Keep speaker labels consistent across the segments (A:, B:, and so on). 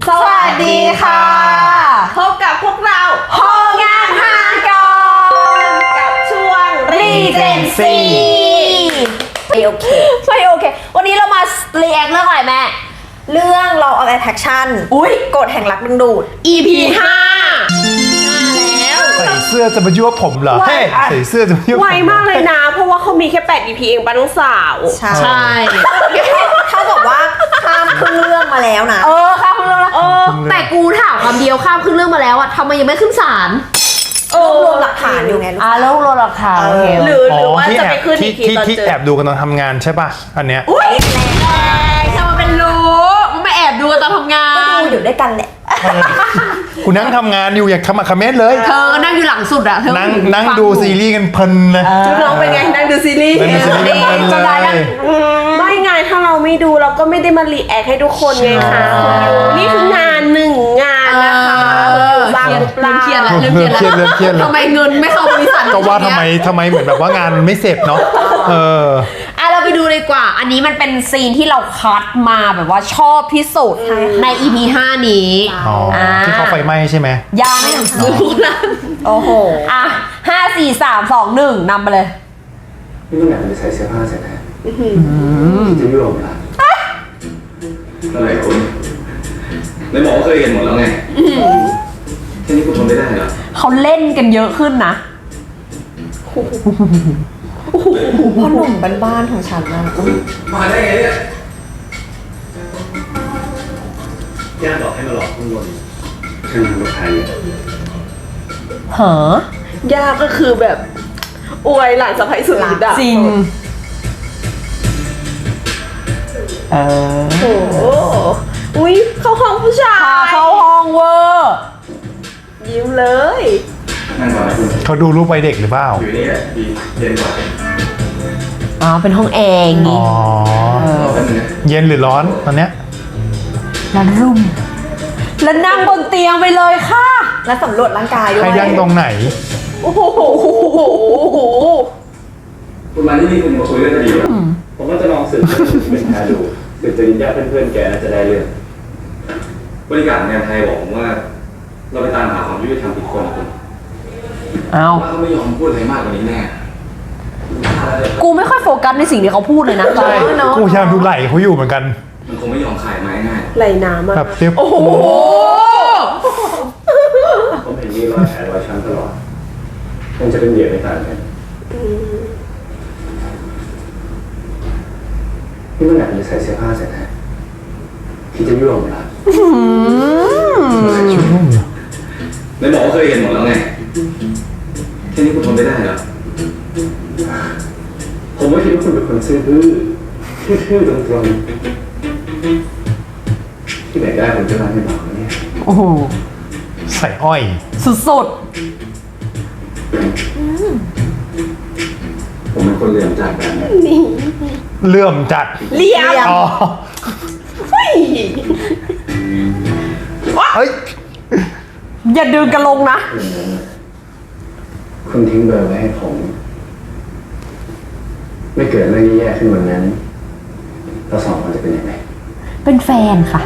A: สวัสดีค่ะ
B: พบกับพวกเรา
A: โฮงานหากร
B: กับช่วง
A: Regency ไม่โอเควันนี้เรามาเรียกเรื่องอะไรแม่
B: เรื่อง Law of Attraction กฎแห่งรักดึงดูด
A: EP 5แล้ว
C: ใส่เสื้อจะมายั่วผมเหรอเฮ้ยใส่เสื้อจะมายั่วผม
D: ไวมากเลยนะ เพราะว่าเขามีแค่8 EP เองป้าน้องสาว
B: ใช่
A: ใช่
B: ถ้าบอกว่าข้ามครึ่งเรื่องมาแล้วนะ
A: ข้ามครึ่งเรื่องแล้วแต่กูถามคำเดียวข้ามครึ่งเรื่องมาแล้วอะทำไมยังไม่ขึ้นศาล
B: รวบรวมหลักฐานอยู่ไงลูก
A: แล้วรอหลักฐานโอเค
D: หรือว่าจะไปขึ้นอีกทีตอน
C: ที่
D: เจอ
C: แอบดูกันตอนทำงานใช่ป่ะอันเนี้ย
A: ทำมาเป็นรู้มึงไม่แอบดูตอนทำงาน
B: ก็ดูอยู่ด้วยกันแหละ
C: กูนั่งทำงานอยู่อย่างขมักเขม้นเลย
A: เธอนั่งอยู่หลังสุดอะเธอ
C: นั่งดูซีรีส์กันเพลินเลย
D: น้องเป็นไงนั่งดูซีรีส์
C: นั่งดูซีรีส์กันเพลิน
A: จะได้
C: เล
A: ยัง
C: ย
D: ไม่ไงถ้าเราไม่ดูเราก็ไม่ได้มารีแอคให้ทุกคนไงคะคุณยูนี่คืองานหนึ่งงานนะคะบางหรือเปล่า
A: เครียดแล้ว
C: เริ่มเครียดแล้ว
A: ทำไมเงินไม่เข้าบริษัท
C: ก็ว่าทำไมเหมือนแบบว่างานมันไม่เสร็จเนาะ
A: เราไปดูดีกว่า อันนี้มันเป็นซีนที่เราคัดมาแบบว่าชอบที่สุดใน EP 5 นี้
C: ที่เขาไฟไหม้ใช่ไหม
A: ยังรู้นะ
B: โอ้โห
A: 5 4 3 2 1นำไปเลย
E: นี่มันแบบจะใส่เสื้อผ้าเสร็จแล้วที่จะยุโรปล่ะอะไรคุณในหมอเคยเห็นหมดแล้วไงแค่นี้คุณทนไม่ได้เหรอ
A: เขาเล่นกันเยอะขึ้นนะ
B: พ่อหนุ่มบ้านๆของฉันนะ
E: มาได้ไงเนี่ยย่าบอกให้มาหลอกข้างบนเครื่องทำรถไทย
A: เหร
D: ยากก็คือแบบอวยหลานสะใภ้สุดฤทธิ์อะ
A: จริง
D: โอ้โหอุ้ยเข้าห้องผู้ชา
A: พาย เข้าห้องเวอร์
D: ยิ้มเลย
E: นั่งก่อนนะคุณ
C: เขาดูรูปไปเด็กหรือเปล่า
E: อยู่นี่แหละดีเย็นกว่า
A: เป็นห้องแอร์อย่าง
C: อ๋
A: งี้
C: อ
E: รอแป๊บนึงนะ
C: เย็นหรือร้อนตอนเนี้ย
A: แล้วรุ่ม แล้วนั่งบนเตียงไปเลยค่ะ
B: และสำรวจร่างกายด้วย
C: ใครนั่งตรงไหน
D: โอ้โห
E: คุณมาที่นี่คุณมาคุยเรื่องคดีเหรอผมว่าจะลองสืบเป็นแพรดูสืบจริญญาเพื่อนๆแกน่าจะได้เรื่องบริการงานไทยบอกผมว่า เราไปตามหาความยุติธรรมผิดคนนะคุณ
A: เอา
E: ว่าเขาไม่ยอมพูดอะไรมากกว่านี้แน่
A: กูไม่ค่อยโฟกัสในสิ่งที่เขาพูดเลยนะ
C: ใช่กูพยายามดูไหลเขาอยู่เหมือนกัน
E: มันคงไม่ยอมขายไม้ง่าย
D: ไหลน้ำอะ
C: แบบเตี้ย
A: โอ้โห
E: ผมเห็นมีรอยแผลรอยช้ำตลอดคงจะเป็นเหยื่อในต่างกันนี่มันแบบจะใส่เสื้อผ้าเสร็จแล้วที่จะยุ่งเหรอในหมอเคยเห็นหมดแล้วไงแค่นี้คุณทนไม่ได้เหรอผมว่าคิดว่าคุณเป็นคนซื่อบื้อซื่อตรงๆที่ไหนได้ผมจะรักในหมอเนี่ย
A: โอ้โห
C: ใส่อ้อย
A: สุด
E: ผมเป็นคนเหลี่ยมจัดแบบนี้
C: เลื่อมจัด
D: เลี้ยม
C: อ๋อเฮ้ย
A: ๆ อย่าดึงกันลงนะ
E: คุณทิ้งเบอร์ไว้ให้ผม ไม่เกิดเรื่องแย่ๆขึ้นวันนั้นเราสองคนจะเป็นยังไง
A: เป็นแฟนค่ะ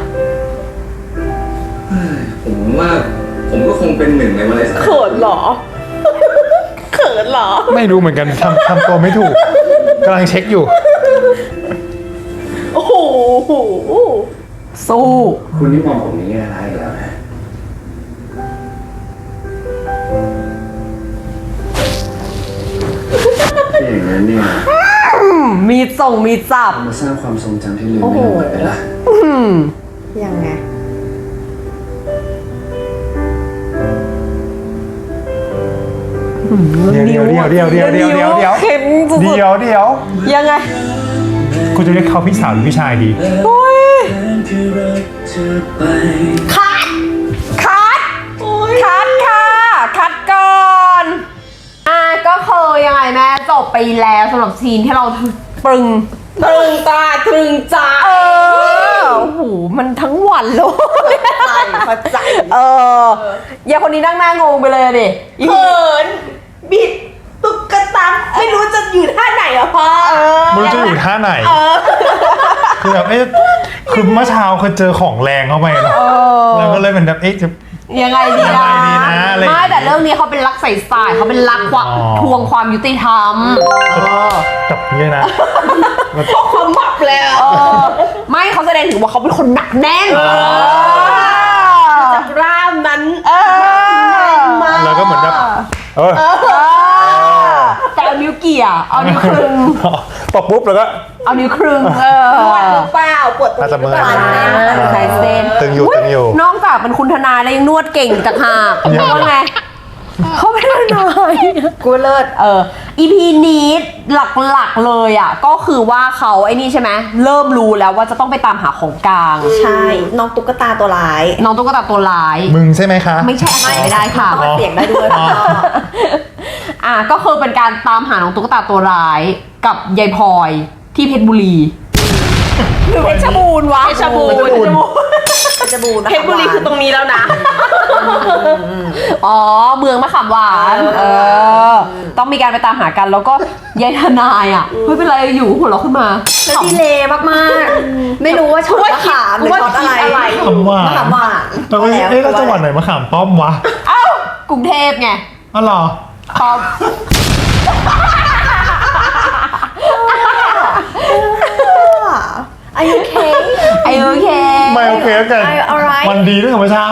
E: ผมว่าผมก็คงเป็นหนึ่งในวันไรสัก
D: เขินเหรอ เขินเหรอ
C: ไม่รู้เหมือนกันทำตัวไม่ถูกกำลังเช็คอยู่
D: โอ้โห
A: สู้
E: คุณนี่มองผมในแง่ร้ายอีกแล้วนะถ้าอย่างนั้นเนี่ย
A: มีส่งมีจับ
E: มาสร้างความทรงจำที่ลืมไม่ลงไปละ
B: ยังไง
C: เดี๋ยว
A: เข็มสุด
C: เดี๋ยว
A: ๆยังไง
C: กูจะเรียกเขาพี่สาวหรือพี่ชายดี
A: คัดค่ะคัดก่อนก็คือยังไงแม่จบไปแล้วสำหรับซีนที่เราปรึง
D: ตรึงตาตรึงใจ
A: โอ้โหมันทั้งวันเลย
B: เข้าใจ
A: อย่าคนนี้นั่งหน้างงไปเลยดิ
D: เขินบิดตุ๊กตาไม่รู้จะอยู่ท่าไหนอะพ่อ
C: มึงจะอยู่ท่าไหนคือแบบคือเมื่อเช้าเคยเจอของแรงเข้าไปเนอะแล้วก็เลยเป็นแบบจะ
A: ยังไงดี
C: ยังไงดีนะอะไรอย่างงี้
A: ไม่แต่เรื่องนี้เขาเป็นรักใสๆเขาเป็นรักความ
C: อ๋อ
A: ทวงความยุติธรรม
C: กับนี้นะ
D: ความหมับแล้ว
A: ไม่เขาแสดงถึงว่าเขาเป็นคนหนักแน่น
D: จากร่ามนั้น มา
C: แล้วก็เหมือนแบบ
A: แต่เอานิ้วเกี่ยเอานิ้วครึง
C: ตบปุ๊บแล้วก็
A: เอานิ้วครึง
D: ปวดหรือเปล่าปวดตรง
C: อาจจะ
D: นี้ห
C: เมื่
D: รือ
C: อย
D: เปล่า
A: ใส่เส้น
C: ตึงอยู่
A: นอกจากเป็นคุณทนายแล้วยังนวดเก่งจากหาก
C: ยัง
A: ว่าไงเขาเป็นทนาย
B: กูเลิศ
A: EP นี้หลักๆเลยอ่ะก็คือว่าเขาไอ้นี่ใช่ไหมเริ่มรู้แล้วว่าจะต้องไปตามหาของกลาง
B: ใช่น้องตุ๊กตาตัวร้าย
A: น้องตุ๊กตาตัวร้าย
C: มึงใช่ไหมคะ
A: ไม่ใช่ไม่ได้ค่ะ
B: ต้องมาเสียงได้ด้วย
A: ก็คือเป็นการตามหาน้องตุ๊กตาตัวร้ายกับยายพลอยที่เพชรบุรีหรือเพชรบูรณ์วะ
D: เพชรบูรณ์
B: เพชรบูรณ์
D: เพชรบุรีคือตรงนี้แล้วนะ
A: อ๋อเมืองมะขามหวานต้องมีการไปตามหากันแล้วก็ยายทนายอ่ะเฮ้ยเป็นไรอยู่หัวเราะขึ้นมา
B: แล้วดีเลยมากๆ ไม่รู้ว่าช็อตมะขามหรือช็อตอะไร
C: คำว่าม
B: ะขามหวาน
C: แต่ว่าแล้วจังหวัดไหนมาขามป้อมวะ
A: เอ้ากรุงเทพไง
C: อ๋อเหรอ
A: พอ
B: อายุเค
A: โอเค
C: ไม่โอเคกัน
B: alright
C: วันดีด้วยกับเมื่อเช้า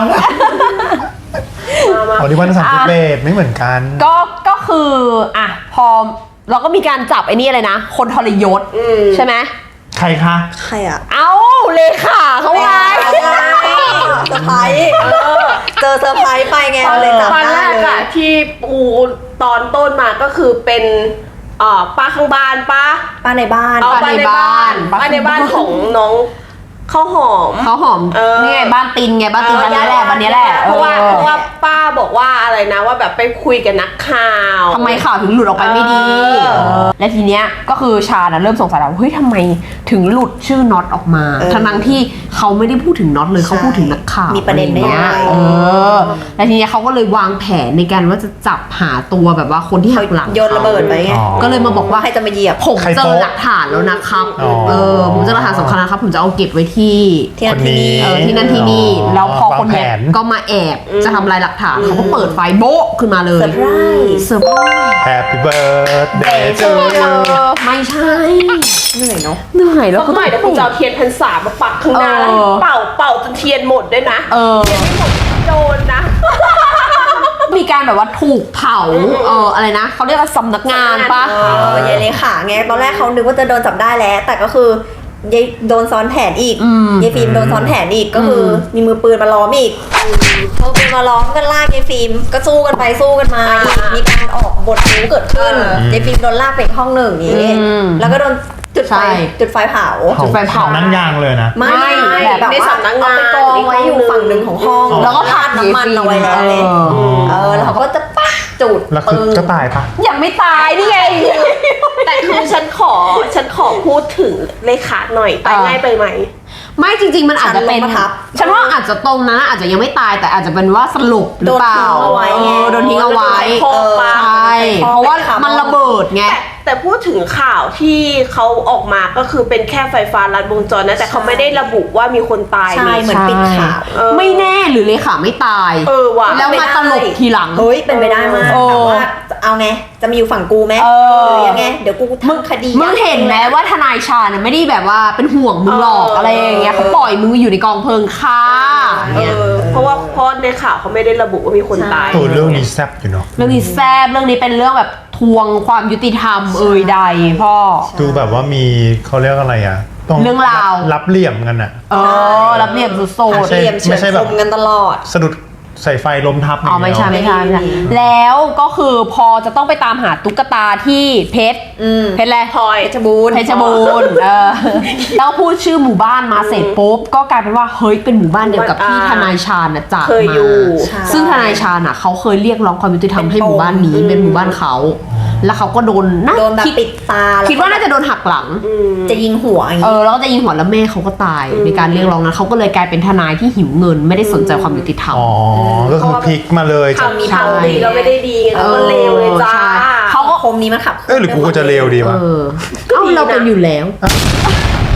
C: วันนี้วัน31ไม่เหมือนกัน
A: ก็คือพอเราก็มีการจับไอ้นี่อะไรนะคนทรยศใช่ไหม
C: ใครคะ
B: ใครอ่ะ
A: เอ้าเลขาเขาไง
B: เซอร์ไพรส์เจอเซอร์ไพรส์ไปไงเลยจับ
D: ตอน
B: ได้
D: แรก
B: เลย
D: อะที่ปูตอนต้นมาก็คือเป็นป้าข้างบ้านป้า
B: ป้าในบ้าน
A: ป้าในบ้าน
D: ป้าในบ้านของน้องข้าวหอม
A: เขาหอมนี่ไงบ้านตินไงบ้านตินบ้านนี้แหละบ้านนี้แหละ
D: เพราะว่าป้าบอกว่าอะไรนะว่าแบบไปคุยกับนักข่าว
A: ทำไมข่าวถึงหลุดออกไปไม่ดีและทีเนี้ยก็คือชาเริ่มสงสัยแล้วเฮ้ยทำไมถึงหลุดชื่อน็อตออกมาทั้งที่เขาไม่ได้พูดถึงน็อตเลยเขาพูดถึงนักข่าว
B: มีประเด็นได้ยังไง
A: และทีเนี้ยเขาก็เลยวางแผนในการว่าจะจับหาตัวแบบว่าคนที่หักหลัง
B: โยนระเบิดไปไง
A: ก็เลยมาบอกว่า
B: ใครจะมาเหยียบ
A: ผมเจอหลักฐานแล้วนะครับผมเจอหลักฐานสำคัญนะครับผมจะเอาเก็บไว้ที่
C: คนนี้
A: ที่นั่นที่นี่แล้วพอคนเนี้ยว
C: างแผน
A: ก็มาแอบจะทำลายหลักฐานเขาก็เปิดไฟโบ๊ะขึ้นมาเลย
B: เซอร์ไพรส์
A: เซอร์ไพรส์
C: Happy birthday to you
A: ไม่ใช่
B: เหนื่อยเนาะ
A: เหนื่อยแล้ว
D: สักหน่อยเดี๋ยวผมจะเอาเทียนพรรษามาปักข้างหน้าเป่าจนเทียนหมดด้วยนะเทียนไม่หมดโดนนะ
A: มีการแบบว่าถูกเผาอะไรนะเขาเรียกว่าสำนักงานปะ
B: ยายเลขาไงตอนแรกเขานึกว่าจะโดนจับได้แล้ว แต่ก็คือยายโดนซ้อนแผนอีกยายฟิล์มโดนซ้อนแผนอีกก็คือมีมือปืนมาล้อมอีกพอปืนมาล้อมก็ลากยายฟิล์มก็สู้กันไปสู้กันมาอีกมีการออกบทรู้เกิดขึ้นยายฟิล์มโดนลากไปอีกห้องหนึ่งนี้แล้วก็โดนจุดไฟเผา
A: จุดไฟเผา
C: นั่งยางเลยนะ
B: ไม่แบบ
D: ใน
B: ว่า
D: สำนักงาน
B: เอาไปกองไว้อยู่ฝั่งหนึ่งของห้อง
A: แล้วก็
B: ราดน้ำมันเอาไว้แล้วเลยแล้วเขาก็จะปั๊กจุด
C: แล้วคือก็ตายปะ
A: ยังไม่ตายนี่ไง
D: แต่คือฉันขอพูดถึงเลขาหน่อยตายง่ายไปไหม
A: ไม่จริงๆมันอาจจะเป็น
B: ฉันลงมาทับ
A: ฉันว่าอาจจะตรงนั้นอาจจะยังไม่ตายแต่อาจจะเป็นว่าสรุปหรือเปล่า
B: โดนทิ้งเอาไว้ไง
A: โดนทิ้งเอาไว้
D: โดนทิ้งเอาไว้
A: ใช่เพราะว่ามันระเบิดไง
D: แต่พูดถึงข่าวที่เขาออกมาก็คือเป็นแค่ไฟฟ้าลัดวงจรนะแต่เขาไม่ได้ระบุว่ามีคนตาย
B: ใช่
D: นี่
B: เหมือนปิดข่าว
A: ไม่แน่หรือเลขาไม่ตาย
D: ว่ะ
A: แล้วมาตลกทีหลัง
B: เฮ้ยเป็นไปได้มาก
A: เออ
B: แต่ว่าเอาไงจะมาอยู่ฝั่งกูไหม
A: เออ
B: หรือยังไงเดี๋ยวกูทำคดี
A: มึงเห็นไหมว่าทนายชาญน่ะไม่ได้แบบว่าเป็นห่วงมึงหรอกอะไรอย่างเงี้ยเขาปล่อยมึงอยู่ในกองเพลิงค่ะเนี่ย
D: เพราะในข่าวเขาไม่ได้ระบุว่ามีคนตาย
C: ตัวเรื่องนี้แซ่บอยู่เนาะ
A: เรื่องนี้แซ่บเรื่องนี้เป็นเรื่องแบบทวงความยุติธรรมใดพ่อ
C: ดูแบบว่ามีเขาเรียกอะไรอ่ะต้อง
A: เรื่องราว
C: รับเหลี่ยมกันอ่ะ
A: รับเรียบสุด
C: ใช่
B: เหลี่ยมเฉื
C: ไม่
B: อน
C: ใช่แบ
B: ค
C: บ
B: มกันตลอด
C: สะดุดใส่ไฟล้มทับ
A: อ๋อไม่ใช่
C: ย่าง
A: ไม่
C: เดียว
A: ใช่ไม่ใช่แล้วก็คือพอจะต้องไปตามหาตุ๊กตาที่เพชรเพชรอะไร
D: พลอย
B: เพชรบูรณ์
A: เพชรบูรณ์แล้วพูดชื่อหมู่บ้านมาเสร็จปุ๊บก็กลายเป็นว่าเฮ้ยเป็นหมู่บ้านเดียวกับที่ทนายชาญน่ะจาก
D: เคย
A: มา
D: อยู่
A: ซึ่งทนายชาญน่ะเขาเคยเรียกร้องความยุติธรรมให้หมู่บ้านนี้เป็นหมู่บ้านเขาแล้วเขาก็โดนนะ
B: โดนแบบปิดตาแล้ว
A: คิดว่าน่าจะโดนหักหลัง
B: จะยิงหัวอย่างงี้
A: แล้วก็จะยิงหัวแล้วแม่เขาก็ตายในการเรียกร้องนั้นเขาก็เลยกลายเป็นทนายที่หิวเงินไม่ได้สนใจความยุติธรรม
C: อ๋อก็คือพลิกมาเลยจาก
D: ทำมีทางดีก็ไม่ได้ดีไงแล้วก็เลวเลยจ้า
A: ใช่เขาก็
B: คมนี้มันขับ
C: หรือกูจะเลวดีวะ
A: เอ้าเราเป็นอยู่แล้ว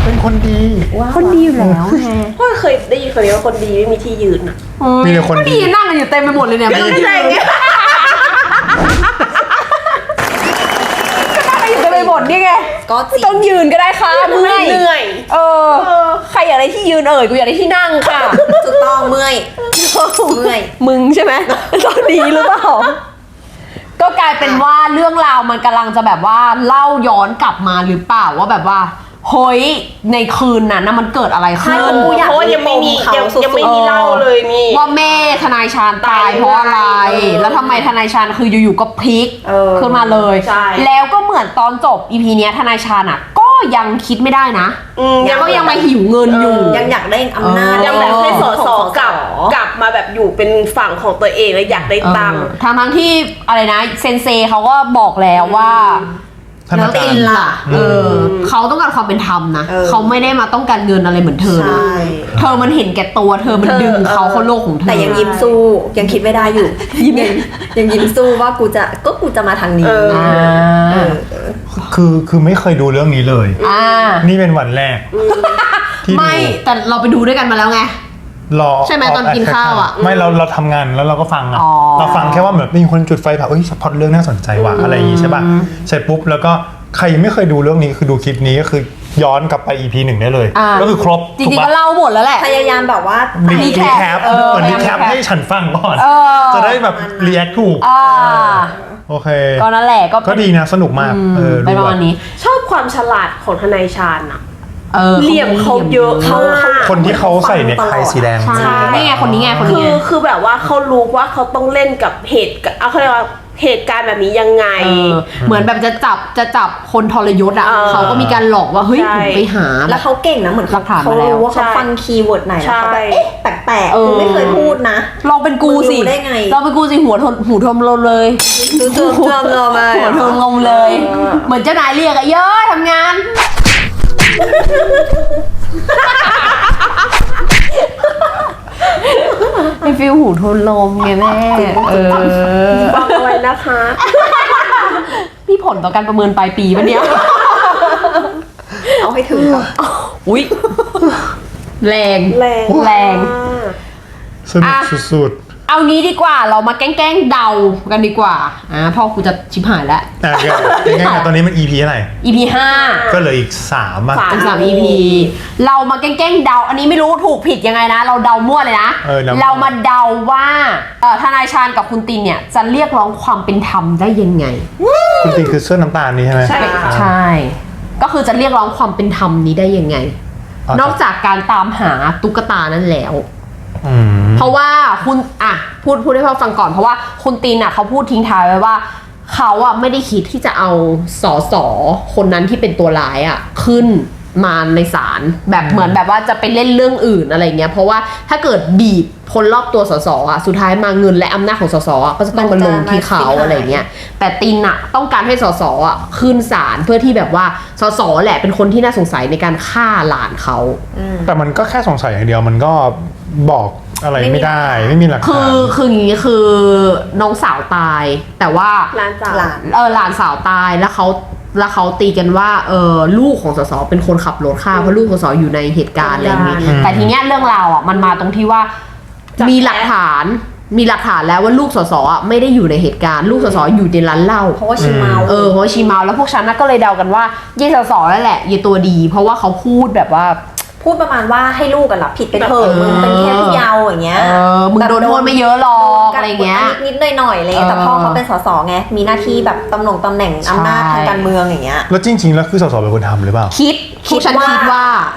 C: เป็นคนดี
A: คนดีอยู่แล้วไง
D: พ่อเคยได้ยินคนนี้ว่าคนดีไม่มีที่ยืนอ่ะ
C: มีแต่คนดี
A: ก็ดีนั่งกันอยู่เต็มไปหมดเลยเนี่ย
D: ก็ใช่ไง
A: นั่งกันอยู่เต็มไปหมดนี่ไง
B: ก็จริง
A: ต้องยืนก็ได้ค่ะเมื่อย
D: เหนื่อย
A: เออ ใครอยากได้ที่ยืนกูอยากได้ที่นั่งค่ะ
B: ถูกต้องเมื่อยเมื่อย
A: มึงใช่ไหมตอนนี้หรือเปล่า ก็กลายเป็นว่าเรื่องราวมันกำลังจะแบบว่าเล่าย้อนกลับมาหรือเปล่าว่าแบบว่าเฮ้ยในคืนนั้นนะมันเกิดอะไรขึ้น
B: กูอยาก
D: เพราะว่ายังไม่มียังไม่มีเล่าเลยนี่
A: ว่าแม่ทนายชาญตายเพราะอะไร แล้วทำไมทนายชาญคืออยู่ๆก็พลิกขึ้นมาเลย
D: ใช่
A: แล้วก็เหมือนตอนจบอีพีเนี้ยทนายชาญอ่ะก็ยังคิดไม่ได้นะ ก็ยังมาหิวเงินอยู่
B: ยังอยากได้อำนาจ
D: ยังแบบให้ส
B: ของ
D: สกลับมาแบบอยู่เป็นฝั่งของตัวเองแล้วอยากได้ตังค์
A: ทั้งที่อะไรนะเซนเซเขาก็บอกแล้วว่า
C: ธนาคาร
A: ตินล่ะเขาต้องการความเป็นธรรมนะเขาไม่ได้มาต้องการเงินอะไรเหมือนเธอนะ
B: ใช่
A: เธอมันเห็นแก่ตัวเธอมันดึงเขาเข้าโลกของเธอ
B: แต่ยังยิ้มสู้ยังคิดไม่ได้อยู่ยังยิ้มสู้ว่ากูจะมาทางนี้
A: อ่า
C: คือไม่เคยดูเรื่องนี้เลย นี่เป็นวันแรกที่ดู
A: ไม่แต่เราไปดูด้วยกันมาแล้วไง
C: รอ
A: ใช่ไหมตอนกินข้าวอะ
C: ไม่เราทำงานแล้วเราก็ฟังอะ
A: อ๋อ
C: เราฟังแค่ว่าแบบมีคนจุดไฟเผาเอ้ยพล็อตเรื่องน่าสนใจว่ะอะไรอย่างงี้ใช่ป่ะเสร็จปุ๊บแล้วก็ใครยังไม่เคยดูเรื่องนี้คือดูคลิปนี้ก็คือย้อนกลับไป EP 1 ได้เลย ก็คือครบ
A: จ
C: ถูก
A: ริงๆ
C: ปะ
A: ก็เล่าหมดแล้วแหละ
B: พยายามแบบว่า
C: รีแคป
A: เออ
C: เหมือนรีแคปให้ฉันฟังก่อน
A: เออ
C: จะได้แบบรีแอคถูก โอเค
A: ก็นั่นแหละก็
C: ก็ดีนะสนุกมากดู
A: เป็นประมาณนี้
D: ชอบความฉลาดของทนายชาญอะ
A: เห
D: ลี่ยมเขาเยอะมาก
C: คนที่เขาใส่เนคไทสีแดง
A: ใช่นี่ไงคนนี้ไงคนนี้ไง
D: คือแบบว่าเขารู้ว่าเขาต้องเล่นกับเขาเรียกว่าเหตุการณ์แบบนี้ยังไง
A: เหมือนแบบจะจับคนทรยศอ่ะ เขาก็มีการหลอกว่าเฮ้ย
D: ใช่
A: ผมไปหา
B: แล้วเขาเก่งนะเหมือน
A: หลักฐาน
B: เขา
A: มาแล้ว
B: รู้ว่าเขาฟังคีย์เวิร์ดไหนแล้วเขาแบบเอ๊ะแปลกๆกูไม่เคยพูดนะ
A: ลองเป็นกูสิ
B: มึงรู้ได้ไง
A: ลองเป็นกูสิหูทมลมเลย
B: ดูเจอมา
A: หัวทมลมเลย เหมือนเจ้านายเรียกอะเยอะทำงานเป็นฟิลหูทนลมไงแม่
D: ฟังเอาไว้นะคะ
A: มีผลต่อการประเมินปลายปีปะเนี่ย
B: เอาให้ถึงก่อน
A: อุ๊ย แรง
D: แรง
C: สนุกสุด
A: เอางี้ดีกว่าเรามาแกล้งเดากันดีกว่าพ่อกูจะชิบหายแล้ว
C: ๆง่ายๆตอนนี้มัน EP อะไร
A: EP 5
C: ก็เหลืออีก3อ่ะ
A: เป็น3 EP เรามาแกล้งเดา อันนี้ไม่รู้ถูกผิดยังไงนะ เราเดามั่วเลยนะ เรามาเดาว่าทนายชาญกับคุณตินเนี่ยจะเรียกร้องความเป็นธรรมได้ยังไง
C: คุณติงคือเสื้อน้ำตาลนี้ใช่ไหม
D: ใช่ค่ะ
A: ใช่ ก็คือจะเรียกร้องความเป็นธรรมนี้ได้ยังไง นอกจากการตามหาตุ๊กตานั้นแล้ว เพราะว่าคุณพูดให้พ่อฟังก่อนเพราะว่าคุณตินเขาพูดทิ้งท้ายไว้ว่าเขาไม่ได้คิดที่จะเอาสสคนนั้นที่เป็นตัวร้ายขึ้นมาในศาลแบบเหมือนแบบว่าจะไปเล่นเรื่องอื่นอะไรเงี้ยเพราะว่าถ้าเกิดบีบคนรอบตัวสสสุดท้ายมาเงินและอำนาจของสสก็จะต้องมาลงที่เขาอะไรเงี้ยแต่ตินต้องการให้สสขึ้นศาลเพื่อที่แบบว่าสสแหละเป็นคนที่น่าสงสัยในการฆ่าหลานเขา
C: แต่มันก็แค่สงสัยอย่างเดียวมันก็บอกอะไรไม่ได้ไม่มีหลักฐาน
A: คืออย่างนี้คือน้องสาวตายแต่ว่า
D: หลานสาว
A: หลานสาวตายแล้วเขาตีกันว่าลูกของสสเป็นคนขับรถฆ่าเพราะลูกของสสอยู่ในเหตุการณ์อะไรอย่างนี้แต่ทีเนี้ยเรื่องราวมันมาตรงที่ว่ามีหลักฐานแล้วว่าลูกสสไม่ได้อยู่ในเหตุการณ์ลูกสสอยู่ในร้านเหล้า
B: เพราะว่าชีเมา
A: เพราะว่าชีเมาแล้วพวกฉันก็เลยเดากันว่ายี่สสนั่นแหละยี่ตัวดี เพราะว่าเขาพูดแบบว่า
B: พูดประมาณว่าให้ลูกกันรับผิดไปเถอะมึงเป็นแค่ผู้เยาว์อย่างเงี้ย
A: มึงโดนโทษไม่เยอะหรอกอะไรเงี้ย
B: นิดๆหน่อยๆอะไรเงี้ยแต่พ่อเขาเป็นสสไงมีหน้าที่แบบตำแหน่งอำนาจทางการเมืองอย่างเงี้ย
C: แล้วจริงๆแล้วคือสสเป็นคนทำหรือเปล่า
A: คิดฉันคิดว่า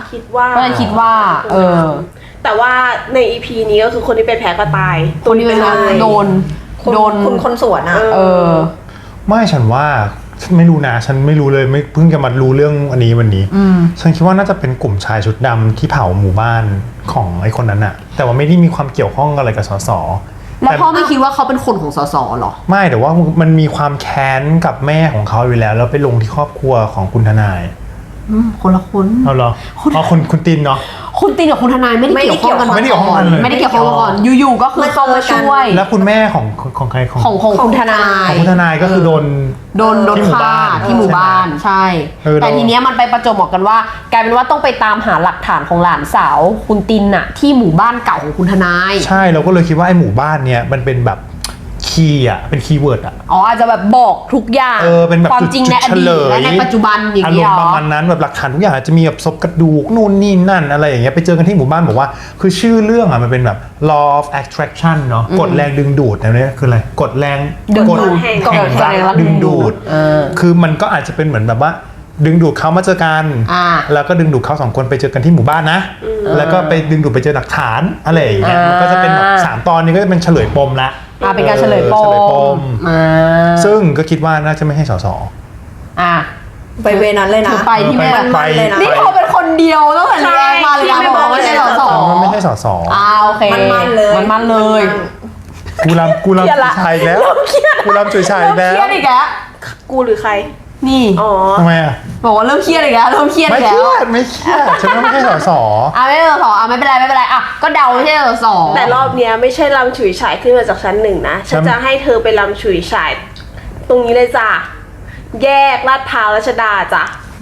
D: แต่ว่าใน EP นี้ก็คือคนที่เป็นแพ้ก็ตาย
A: คนที่เป็นโดน
B: คนสวน
C: ไม่ฉันว่าไม่รู้นะฉันไม่รู้เลยไม่เพิ่งจะมารู้เรื่องอันนี้วันนี้ฉันคิดว่าน่าจะเป็นกลุ่มชายชุดดำที่เผาหมู่บ้านของไอ้คนนั้นอะแต่ว่าไม่ได้มีความเกี่ยวข้องอะไรกับสส
A: แล้วพ่อไม่คิดว่าเขาเป็นคนของสสหรอ
C: ไม่แต่ว่ามันมีความแค้นกับแม่ของเขาอยู่แล้วแล้วไปลงที่ครอบครัวของคุณทนาย
A: คนละคน
C: เอาเหรอคุณตินเนาะ
A: คุณตินกับคุณทนายไม่ได้เกี่ยวข้องกัน
C: ไม่ได้เกี่ยวข้องกันเลย
A: ไม่ได้เกี่ยวข้องกันก่อนอยู่ๆก็คือเข้ามาช่วย
C: แล้วคุณแม่ของใครของ
A: ของคุณทนาย
C: คุณทนายก็คือโดน
A: ที่หมู่บ้านที่หมู่บ้านใช่ แต่ทีเนี้ยมันไปประจวบเหมาะกันว่ากลายเป็นว่าต้องไปตามหาหลักฐานของหลานสาวคุณตินน่ะที่หมู่บ้านเก่าของคุณทนาย
C: ใช่เราก็เลยคิดว่าไอ้หมู่บ้านเนี่ยมันเป็นแบบคีย์อ่ะเป็นคีย์เวิร์ดอ่ะ
A: อ๋ออาจจะแบบบอกทุกอย่าง
C: เป็นแบบ
A: ความจริงในอดีตและในปัจจุบันอย่าง
C: อา
A: เงี้
C: ร
A: ย
C: ม
A: เหร
C: ณ์ประ
A: อ
C: มาณนั้นแบบหลักฐานทุกอย่างอาจจะมีแบบศพกระดูกนู่นนี่นั่นอะไรอย่างเงี้ยไปเจอกันที่หมู่บ้านบอกว่าคือชื่อเรื่องอ่ะมันเป็นแบบ law of attraction เนาะกฎแรงดึงดูดนะเนี่ยคืออะไรกฎแรง
A: ดึง
C: กฎ
A: ดูด
C: แห่ง
A: กฎแห่ง
C: รักดึงดูดคือมันก็อาจจะเป็นเหมือนแบบว่าดึงดูดเขามาเจอกันแล้วก็ดึงดูดเขาสองคนไปเจอกันที่หมู่บ้านนะแล้วก็ไปดึงดูดไปเจอหลักฐานอะไรอย่างเงี้ยมันก็จะเป็นแบบ3 ตอนนี้ก็จะเป็นเฉลยปมละ
A: เป็นการเฉลยปม
C: ซึ่งก็คิดว่าน่าจะไม่ให้สส
B: ไปเวนั้นเลยนะ
A: ถือไปที่แม่
B: มันเลยนะ
A: นี่เขาเป็นคนเดียวตั้งแต่แรกมาเลยนะบอกว่าไม่ใช่สส
C: มันไม่ใช่สส
A: โอเค
B: มันเลย
A: มันเลย
C: กูรำจุยชายอีกแล้วกูรำจุยชายอีกแล้ว
A: เครียดอีกแล้ว
D: กูหรือใคร
A: นี่
D: อ๋อ
C: ทำไมอ่ะ
A: บอกว่าเริ่มเครียดอีกแล้วเริ่มเครียด
C: ไม่
A: อีก
C: เค
A: แล้
C: รี
A: วย
C: ดไม่เครียดฉันว่าไม่ใช่สส
A: ไม่ใช่สสไม่เป็นไรไม่เป็นไรก็เดาไม่ใช่สส
D: แต่รอบเนี้ยไม่ใช่ลำฉุยฉายขึ้นมาจากชั้น 1นะฉันจะให้เธอไปลำฉุยฉายตรงนี้เลยจ้ะแยกลาดพร้าวรัชดาจ้ะ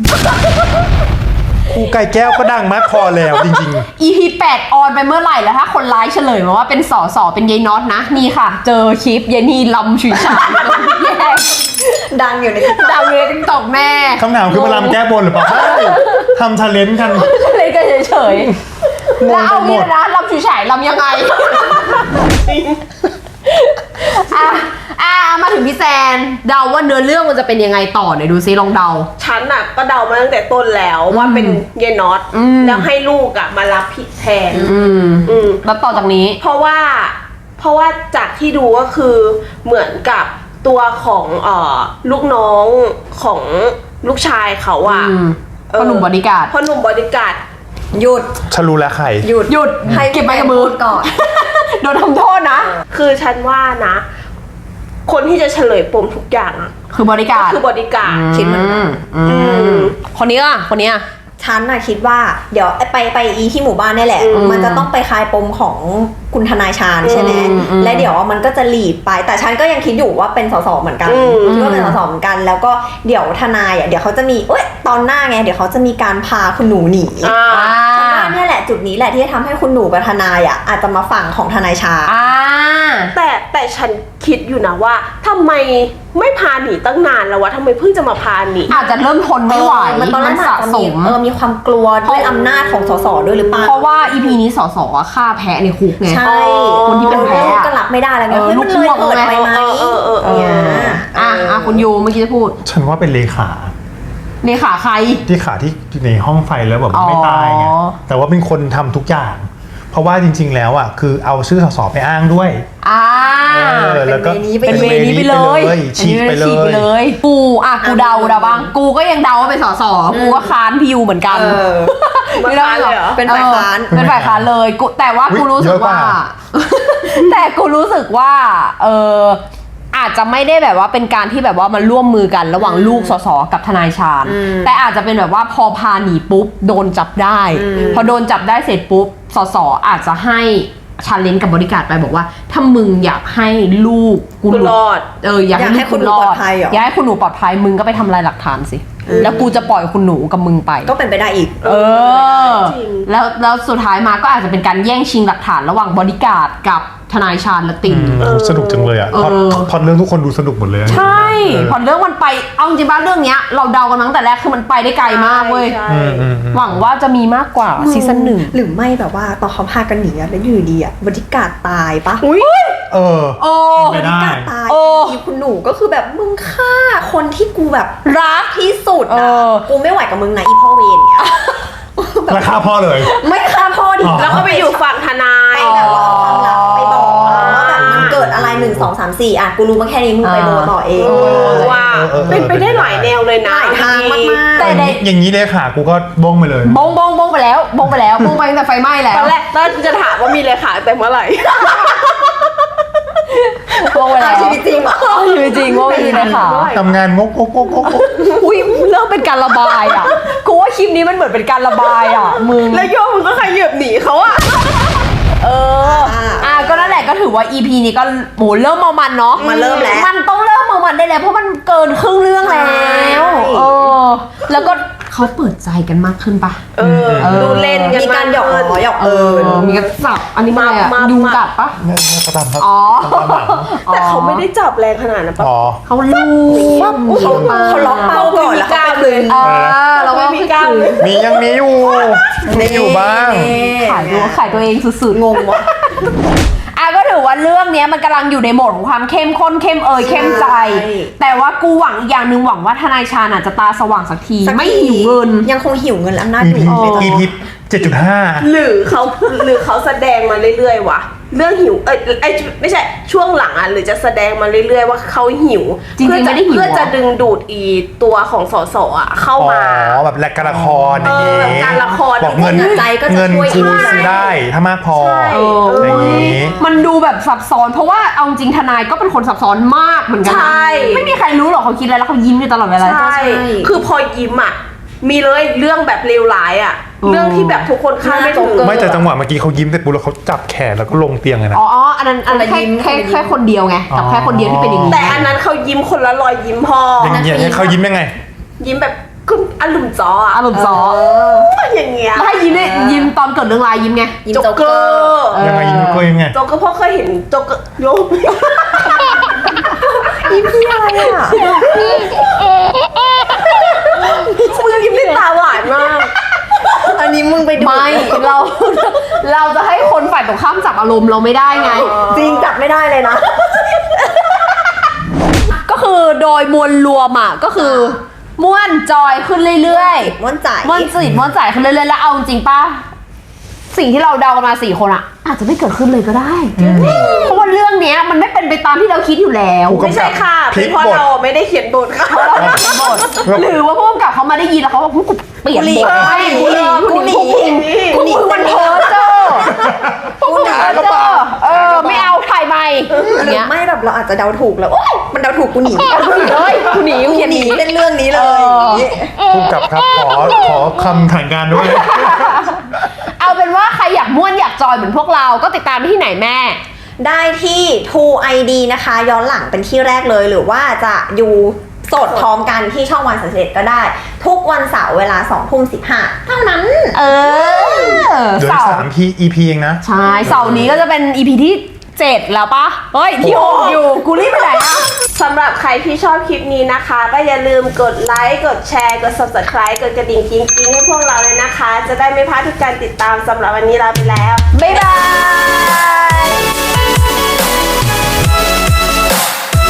C: ครูไก่แก้วก็ดังมากพอแล้วจริง
A: EP 8ออนไปเมื่อไหร่แล้วถ้าคนร้ายเฉลยมาว่าเป็นสสเป็นยายน็อตนะนี่ค่ะ เจอคลิปยายนี่ลำฉุยฉายแยก
B: ดังอยู่ใน
A: ดาวเรียนตกแม่
C: ๆคำถามคือมาลำแก้บนหรือเปล่าใช่ทำชาเลนจ์กัน
A: เล่นกันเฉยๆแล้วเอางี้นะลำฉุยฉายลำยังไงมาถึงพี่แซนเดาว่าเนื้อเรื่องมันจะเป็นยังไงต่อหน่อยดูซิลองเดา
D: ฉันน่ะก็เดามาตั้งแต่ต้นแล้วว่าเป็นเยนน็อตแล้วให้ลูกอ่ะมารับผิดแทน
A: แล้วต่อจากนี้
D: เพราะว่าจากที่ดูก็คือเหมือนกับตัวของลูกน้องของลูกชายเขาอ่ะ
A: พ่อหนุ่มบอดี้การ์ด
D: พ่อหนุ่มบอดี้การ์ด
B: หยุด
C: ฉันรู้แล้วใคร
B: หยุด
A: ให้เก็บไปกับมือ
B: ก่อน
A: โดนทำโทษนะ
D: คือฉันว่านะ คนที่จะเฉลยปมทุกอย่างอ่ะ
A: คือบอดี้การ์ด
D: คือบอดี้การ์ด
B: คิดเหมือนกัน
A: คนนี้อ่ะคนนี้อ่ะ
B: ฉันน่ะคิดว่าเดี๋ยวไปอีที่หมู่บ้านนี่แหละ มันจะต้องไปคลายปมของคุณทนายชาญใช่ไหมและเดี๋ยวมันก็จะหลีดไป แต่ฉันก็ยังคิดอยู่ว่าเป็นสสเหมือนกันคิดว่าเป็นสสเหมือนกัน แล้วก็เดี๋ยวทนายอ่ะเดี๋ยวเขาจะมีตอนหน้าไงเดี๋ยวเขาจะมีการพาคุณหนูหนีฉันว่าเนี่ยแหละจุดนี้แหละที่จะทำให้คุณหนูกับทนายอ่ะอาจจะมาฝั่งของทนายชาญ
D: แต่ฉันคิดอยู่นะว่าทำไมไม่พาหนีตั้งนานแล้ววะทำไมเพิ่งจะมาพาหนี
A: อาจจะเริ่มทนไม่ไหว
B: มันตอนนั้น
A: สะ
B: อาจจะ
A: ส
B: มี
A: ม
B: มีความกลัวด้วยอำนาจของสสด้วยหรือเปล่า
A: เพราะว่า EP นี้สสฆ่าแพะในคุกไง
B: ใช่
A: คนที่เป็นแพ้อะ
B: ลูกก็รับไม่ได้แล้วไงเฮ้ยมันเลยเกิดไปไหมเนี่ย
A: คุณยูเมื่อกี้จะพูด
C: ฉันว่าเป็นเลขา
A: เลขาใคร
C: ที่ขาที่อยู่ในห้องไฟแล้วแบบไม่ตายไง
A: อ๋อ
C: แต่ว่าเป็นคนทำทุกอย่าง เพราะว่าจริง ๆ แล้วอ่ะคือเอาชื่อสสไปอ้างด้วยแล้วก็
A: เป็นเวนี้ไปเลย
C: ฉีกไปเลย
A: กูเดาบ้างกูก็ยังเดาว่าเป็นสสกูก็ค้านพี่ยูเหมือนกัน
D: มันค้านเลยเหรอ
B: เป็นฝ่ายค้าน
A: เป็นฝ่ายค้านเลยกูแต่ว่ากูรู้สึกว่า แต่กูรู้สึกว่าอาจจะไม่ได้แบบว่าเป็นการที่แบบว่ามันร่วมมือกันระหว่างลูกสสกับทนายชาญแต่อาจจะเป็นแบบว่าพอพาหนีปุ๊บโดนจับได้พอโดนจับได้เสร็จปุ๊บสสอาจจะให้ชาเลนจ์กับบริการดไปบอกว่าถ้ามึงอยากให้ลูกกู
D: รอด
A: อยากให้คุณหนูปลอดภัยอยากให้คุณหนูปลอดภัยมึงก็ไปทำลายหลักฐานสิแล้วกูจะปล่อยคุณหนูกับมึงไป
B: ก็เป็นไปได้อีก
D: จริง
A: แล้วสุดท้ายมาก็อาจจะเป็นการแย่งชิงหลักฐานระหว่างบริการดกับทนายชาญและติ่ง
C: สนุกจังเลยอ่ะพอเรื่องทุกคนดูสนุกหมดเลย
A: ใช่พอเรื่องมันไปเอาจริงๆบ้านเรื่องเนี้ยเราเดากันมาตั้งแต่แรกคือมันไปได้ไกลมากเว้ย
D: ใช่
A: หวังว่าจะมีมากกว่าซีซั่นหนึ่ง
B: หรือไม่แบบว่าตอนเขาพากันหนีแล้วอยู่ดีบริการตายปะ
C: เออ
A: โอ้
C: ไม่ได้
B: การตายอีคุณหนูก็คือแบบมึงฆ่าคนที่กูแบบรักที่สุดนะกูไม่ไหวกับมึงนะอีพ่อเวรเนี่ย
C: ราคาพ่อเลย
B: ไม่ฆ่าพ่อดิ
D: แล้วก็ไปอยู่ฝั่งทนาย
B: ไปแบบว่าเอาความลับไปบอกว่าแบบมันเกิดอะไร1 2 3 4กูรู้มาแค่นี้มึงไปโบต่อเอง
D: ว่าเป็นไปได้หลายแนวเลยนะ
B: หลายทางมากๆ
A: แต่ใน
C: อย่างนี้เลยค่ะกูก็บ้งไปเลย
A: บงไปแล้วบงไปตั้งแต่ไฟไหม้แล้ว
D: ตอนแรกจะถามว่ามีเลขาแต่เมื่อไหร่
A: โง่ไปแล้ว
B: ชีวิตจริงเหรอ
A: ชีวิตจริงโง่ดีนะคะ
C: ทำงานงก
A: อุ้ยเริ่มเป็นการระบายอ่ะกูว่าคลิปนี้มันเหมือนเป็นการระบายอ่ะมึง
D: แล้วโยมมึงก็ขยับหนีเขาอะ
A: ก็นั่นแหละก็ถือว่า EP นี้ก็โหเริ่มเมามันเนาะ
B: มันเริ่มแล้ว
A: มันต้องเริ่มเมามันได้แล้วเพราะมันเกินครึ่งเรื่องแล้ว
B: ใช่
A: แล้วก็เขาเปิดใจกันมากขึ้นปะ
D: ดูเล่นกัน
B: มีการหยอกล้อหยอก
A: มีกันสับอันนี้มันอะไรอะ
D: มา
A: ยุงกัดปะ
C: ๆเนี่ยกระทำครับ
A: อ๋อ
C: ตามหลัง
D: แต่เขาไม่ได้จับแรงขนาดนั้นปะ
C: อ๋อ
A: เขาลูบ
B: เขาล็อกเป้าก่อนแล้วเขาไปคืน
A: เราก็
D: ไม่มีกล้ามเลย
C: ยังมีอยู่มีอยู่บ้าง
A: ขายตัวเองสุดๆ
B: งงวะ
A: ก็ถือว่าเรื่องนี้มันกำลังอยู่ในโหมดของความเข้มข้นเข้มใจ แต่ว่ากูหวังอีกอย่างหนึ่งหวังว่าทนายชาญอาจจะตาสว่างสักทีไม่หิวเงิน
B: ยังคงหิวเงินและอำนาจ
C: EP
B: อยู่ในตอนนี้
C: EP 7.5
D: หรือเขาแสดงมาเรื่อยๆวะเรื่องหิวไม่ใช่ช่วงหลังอ่ะหรือจะแสดงมาเรื่อยๆว่าเขาหิว
A: จริงๆไม่ได้หิว
D: เพื่อจะดึงดูดอีตัวของสสอ่ะเข้า
C: อ๋อ
D: มา
C: แบบแลกการละครอย่างงี้
D: การละคร
C: บอกเงิน
B: ใจก็จะ
C: เงิน
B: ช่วย
C: กู
B: ได้
C: ซื้อได้ถ้ามากพอ
D: ใช่
C: อย่างงี้
A: มันดูแบบซับซ้อนเพราะว่าเอาจริงทนายก็เป็นคนซับซ้อนมากเหมือนกั
D: ใช่
A: ไม่มีใครรู้หรอกเขาคิดอะไรแล้วเขายิ้มอยู่ตลอดเวลา
D: ใช่ คือพอยิ้มอ่ะมีเลยเรื่องแบบเลวร้ายอ่ะ เรื่องที่แบบทุกคนคาดไม่ถึง
C: ไม่แต่จังหวะเมื่อกี้เขายิ้มเสร็จปุ๊บแล้วเขาจับแขนแล้วก็ลงเตียงเลยนะ
A: อ๋ออันนั้นแค่คนเดียวไงกับแค่คนเดียวที่เป็นอย่างนี้
D: แต่อันนั้นเขายิ้มคนละรอยยิ้มพอ
C: อย่างเงี้ยเขายิ้มยังไง
D: ยิ้มแบบคุณอารมณ์จออ่ะ
A: อารมณ์ซอ
D: อย่างเงี้ย
A: แล้วให้ยิ้มเนี่ยยิ้มตอนเกิดเรื่องร้ายยิ้มไง
B: ยิ้ม
D: โจ๊
B: โจ๊
D: ก
B: ก
D: เก
B: เก
D: อ
B: อร์
D: ร์
C: ยังไงยิ้มก็ยังไง
D: โจ๊กเกอร์พ่อเคยเห็นโจ๊กเกอร์โยม
B: ยิ้มพี่อะไรอ่ะ
D: มึงยิ้มด้วยตาหวานมาก
B: อันนี้มึงไปดู
A: ไม่เราจะให้คนฝ่ายตรงข้ามจับอารมณ์เราไม่ได้ไง
B: จริงจับไม่ได้เลยนะ
A: ก็คือโดยมวลรวมอ่ะก็คือม่วนจอยขึ้นเรื่อยๆ
B: ม่วนใจ
A: ม่วนจิตม่วนใจขึ้นเรื่อยๆแล้วเอาจริงป่ะสิ่งที่เราเดากันมา4 คนอ่ะอาจจะไม่เกิดขึ้นเลยก็ได้เพราะว่าเรื่องเนี้ยมันไม่เป็นไปตามที่เราคิดอยู่แล้ว
C: ผู้กำกับ
D: ไม่ใช่ค่ะ
C: พลิ
D: เป็น
C: ก
D: เพราะ
C: บท
D: เราไม่ได้เขียนบทค่ะ
A: หรือว่าผู้กำกับเขามาได้ยินแล้วเขาบอกกูเปลี่ยนบทให้กูหนีมันเพ้อเจ้อกูหนีก็เจ้อไม่เอาถ่ายใหม่อย่างเงี้ย
B: ไม่แบบเราอาจจะเดาถูกแล้วโอ๊ยมันเดาถูกกูหนี
A: เลยกูหนีกู
B: กู
A: เขียน
B: ห
A: ห
B: นี
A: นี
B: เล่นเรื่องนี้เลย
C: ผู้กำกับครับขอคำถ่ายงานด้วย
A: เอาเป็นว่าใครอยากม่วนอยากจอยเหมือนพวกเราก็ติดตามที่ไหนแม่
B: ได้ที่ True ID นะคะ ย้อนหลังเป็นที่แรกเลยหรือว่าจะอยู่สดพร้อมกันที่ช่องวัน31ก็ได้ ทุกวันเสาร์เวลา 20:15 เท่านั้น
C: เดี๋ยว
A: เสาร์
C: 3 EP เองนะ
A: ใช่เสาร์นี้ก็จะเป็น EP ที่7แล้วปะเฮ้ยที่6อยู่กูรีบไปไหนอะ
D: สำหรับใครที่ชอบคลิปนี้นะคะ ก็อย่าลืมกดไลค์กดแชร์กด subscribe กดกระดิ่งกิ๊งๆให้พวกเราเลยนะคะ จะได้ไม่พลาดทุกการติดตามสำหรับวันนี้ลาไปแล้ว
A: บ๊ายบาย